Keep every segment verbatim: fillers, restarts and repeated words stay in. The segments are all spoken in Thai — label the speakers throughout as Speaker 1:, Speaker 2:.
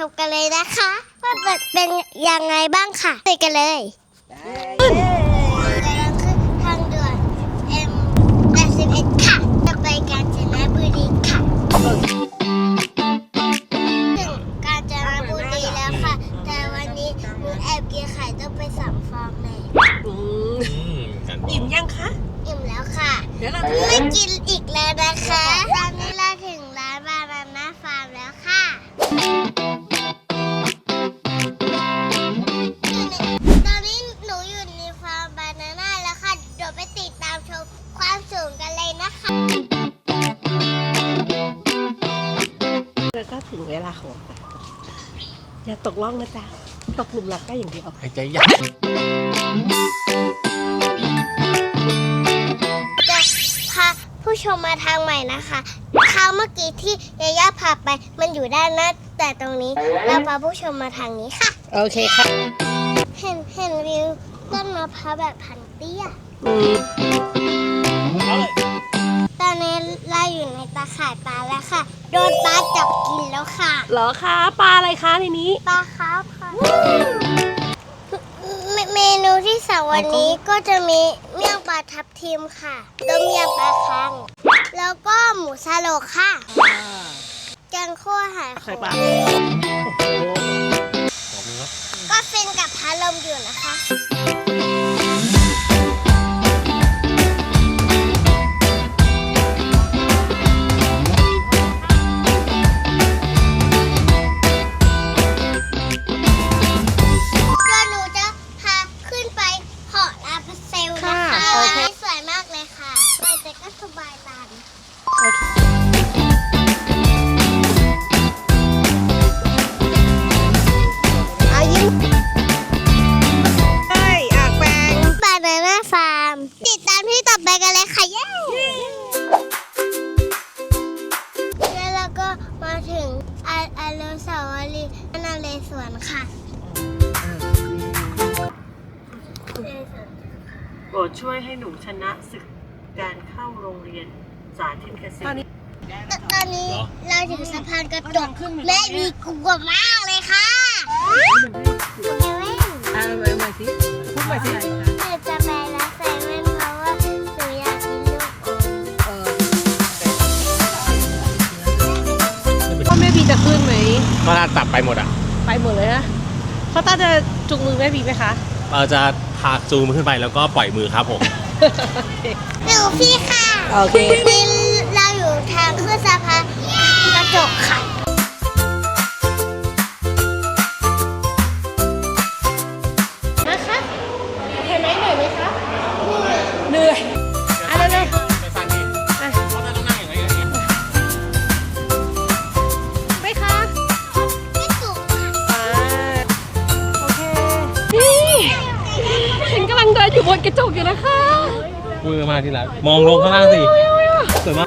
Speaker 1: มกันเลยนะคะว่าเป็นยังไงบ้างค่ะไปกันเลยกำลังขึ้นทางด่วน เอ็ม แปดสิบเอ็ด ค่ะจะไปกาญจนบุรีค่ะถึงกาญจนบุรีแล้วค่ะแต่วันนี้หนูแอบกินไข่ต้มไปสามฟองเลย
Speaker 2: อิ่มยังคะ
Speaker 1: อิ่มแล้วค่ะ
Speaker 2: เดี๋ยวเรา
Speaker 1: ไม่กินอีกแล้วนะคะตอนนี้เราถึงร้านบานาน่าฟาร์มแล้วค่ะตอนนี้หนูอยู่ในฟาร์มบานาน่าแล้วค่ะเดี๋ยวไปติดตามชมความสูงกันเลยนะคะ
Speaker 2: แล้วก็ถึงเวลาของเราอย่าตกล่องนะจ๊ะตกหลุมรักได้อย่างเดียว
Speaker 3: หายใจยาก
Speaker 1: จะพาผู้ชมมาทางใหม่นะคะทางเมื่อกี้ที่ยาย่าพาไปมันอยู่ด้านหน้าแต่ตรงนี้เราพาผู้ชมมาทางนี้ค่ะ
Speaker 2: โอเคค่ะ
Speaker 1: เห็นเห็นวิวต้นมะพร้าวแบบพันเตี้ยตอนนี้เราอยู่ในตาข่ายปลาแล้วค่ะโดนปลาจับกินแล้วค่ะ
Speaker 2: เหรอคะปลาอะไรคะในนี้
Speaker 1: ปลาครับค่ะเมนูที่สองวันนี้ก็จะมีเมี่ยงปลาทับทิมค่ะต้มยำปลาคังแล้วก็หมูสโลกค่ะแกงคั่วหายโขมก็ฟินกับพัดลมอยู่นะคะติดตามที่ต่อไปกันเลยค่ะเย้แล้วเราก็มาถึงอนุสาวรีย์นเรศวรค่ะ
Speaker 2: โปรดช่วยให้หนูชนะศึกการเข้าโรงเรียนสาธิตเกษตร
Speaker 1: ตอนนี้เราถึงสะพานกระจกแม่มีกลัวมากเลยค่ะ
Speaker 2: อ่าไปใหม่สิพูดใหม่สิ
Speaker 1: จะไปแล้วใส่แว่นเพราะว่าหนูอยากกินลูกอ
Speaker 2: มพ่อแม่บีจะขึ้นไหม
Speaker 3: ก็น่าจับไปหมดอ่ะ
Speaker 2: ไปหมดเลยนะเขาต้าจะจุงมือแม่บีไหมคะ
Speaker 3: เราจะพาจูงมือขึ้นไปแล้วก็ปล่อยมือครับผม
Speaker 1: หนูพี่ค่ะ
Speaker 2: โอเค
Speaker 1: นี่เราอยู่ทางขึ้นสะพานกระจกค่ะ
Speaker 2: เหนื่อยอะไรเลย
Speaker 3: ไปฟังดิเพราะเราต้องนั่งอย่างไรอย่างนี้
Speaker 2: ไม่คะ
Speaker 1: ไม่สูงค่ะ
Speaker 2: โอเคนี่ฉันกำลังเดินอยู่บนกระจกอยู่นะคะ
Speaker 3: มือมาทีละมองลงข้างล่างสิสวยมาก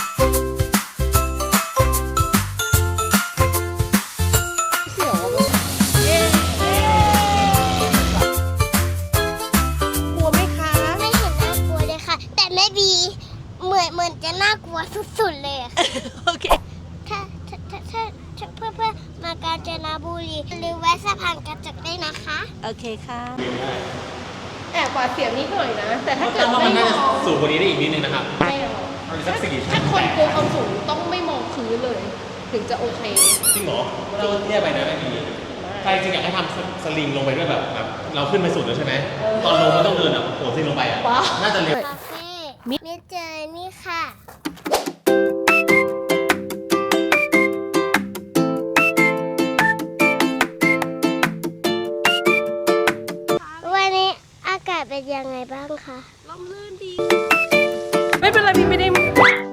Speaker 1: เหมือนเหมือนจะน่ากลัวสุดๆเลยค่ะ
Speaker 2: โอเค
Speaker 1: ถ้าถ้าถ้าถ้าเพื่อเพื่อมากาญจนบุรีหรือแวะสะพานกระจกได้นะคะ
Speaker 2: โอเคค่ะแอบหวาดเสียวนิดหน่อยนะแต่ถ้าเกิด
Speaker 3: ไม่มองสูงกว่านี้ได้อีกนิดนึงนะครับ
Speaker 2: ไม่หรอกถ้าคนกลัวความสูงต้องไม่มองพื้นเลยถึงจะโอเค
Speaker 3: จริงเหรอเราเทียบไปนะไม่มีใครจริงอยากให้ทำสลิงลงไปด้วยแบบแบบเราขึ้นไปสุดแล้วใช่ไหมตอนลงมันต้องเดินแบบโผล่ซิงลงไปอ่ะน่าจะเร็ว
Speaker 1: มิดเจอนี่ค่ะวันนี้อากาศเป็นยังไงบ้างคะ
Speaker 2: ลมลื่นดีไม่เป็นไรพี่ไม่ได้